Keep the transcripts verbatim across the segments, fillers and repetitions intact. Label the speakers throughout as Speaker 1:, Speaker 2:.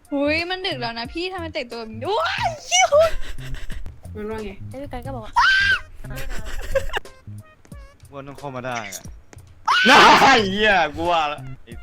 Speaker 1: หุยมันดึกแล้วนะพี่ทำไมแต่งตัวแบบนี้ว้ายคิวมันว่าไง
Speaker 2: แล้วพี่กันก็บอกว่า
Speaker 3: ว่าต้องเข้ามาได้อะน่าเหี้ยกูว่าละ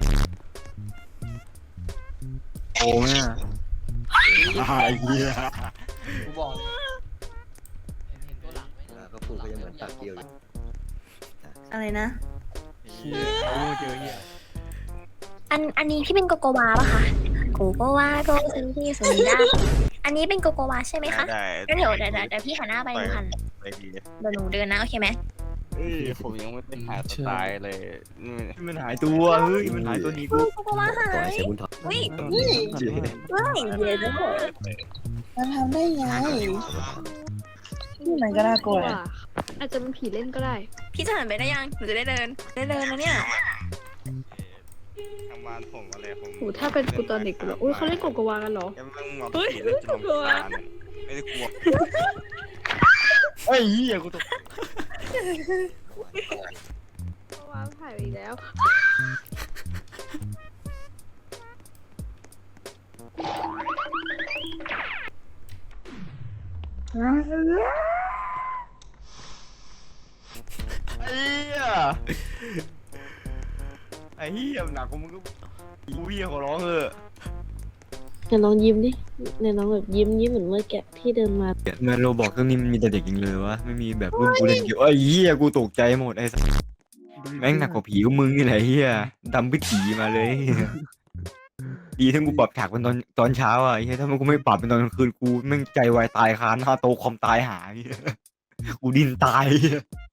Speaker 3: โอ้แม่น่าเหี้ย
Speaker 4: กูบอกเลยเห็นเห็นตัวหลังไหม
Speaker 5: อ่าก็พูดก็ยังเหมือนปากเกียวอยู่
Speaker 6: อะไรนะ
Speaker 3: เหี้ยโอ้เจอเหี้ย
Speaker 2: อันอันนี้พี่เป็นโกโกวาปะคะโกโกวาโกซึนที่สุดาอันนี้เป็นโกโกวาใช่ไหมคะ
Speaker 3: ได้
Speaker 2: ก็เดี๋ยวเดี๋ยวเดี๋ยวพี่หันหน้าไปหนูหัน
Speaker 3: ไปดี
Speaker 2: เดี๋ยวหนูเดินนะโอเคไหม
Speaker 7: เอ้ยผมยังไม่ได้หาสไตล์เลยนี่
Speaker 3: มันหายตัวเฮ้ยมันหายตัวนี้กู
Speaker 2: โกโกวาหา
Speaker 5: ต่อย ใช้บุญถอด
Speaker 2: อุ้ย
Speaker 5: เจ๊
Speaker 2: ว้ายเดี๋ยวเดี๋ยว
Speaker 6: มันทำได้ไงนี่มันก็น่ากลัวนะ
Speaker 1: อาจจะเป็นผีเล่นก็ได้
Speaker 2: พี่จะหันไปได้ยังหนูจะได้เดินได้เดินนะเนี่ย
Speaker 3: ทำงานผมอะไรผม
Speaker 1: โหถ้าเป็นกูตอนเด็กกูแบบอุ้ยเขาเล่นโกโกวากันเหรอ
Speaker 3: ยังมึงมา
Speaker 1: เฮ้ย
Speaker 3: ผีเล่นจน
Speaker 1: กลัว
Speaker 3: รำคาญไม่ได้กลัวเฮ้ยเหี้ยกูตก
Speaker 1: โกโกวาถ่ายไปอีกแล้ว
Speaker 3: ไอ้เหี้ยไอ้เหี้ยหนักกว่ามึงก็กูเหี้ยขอร้องเถอะ
Speaker 8: เนี่ยน้องยิ้มดิเนี่ยน้องแบบยิ้มยิ้มเหมือนเมื่อแกะที่เดินมา
Speaker 3: แมนโรบอกเรื่องนี้มันมีแต่เด็กจริงเลยวะไม่มีแบบรุ่นกูเล่นเกี่ยวไอ้เหี้ยกูตกใจหมดไอ้สัสแม่งหนักกว่าผีกับมึงนี่แหละเหี้ยดำพิถีมาเลยดีที่กูปรับฉากเป็นตอนตอนเช้าอ่ะไอ้เหี้ยถ้ามันกูไม่ปรับเป็นตอนกลางคืนกูแม่งใจวายตายคาหน้าโตะคอมตายหาไอ้เหี้ยกูดิ้นตาย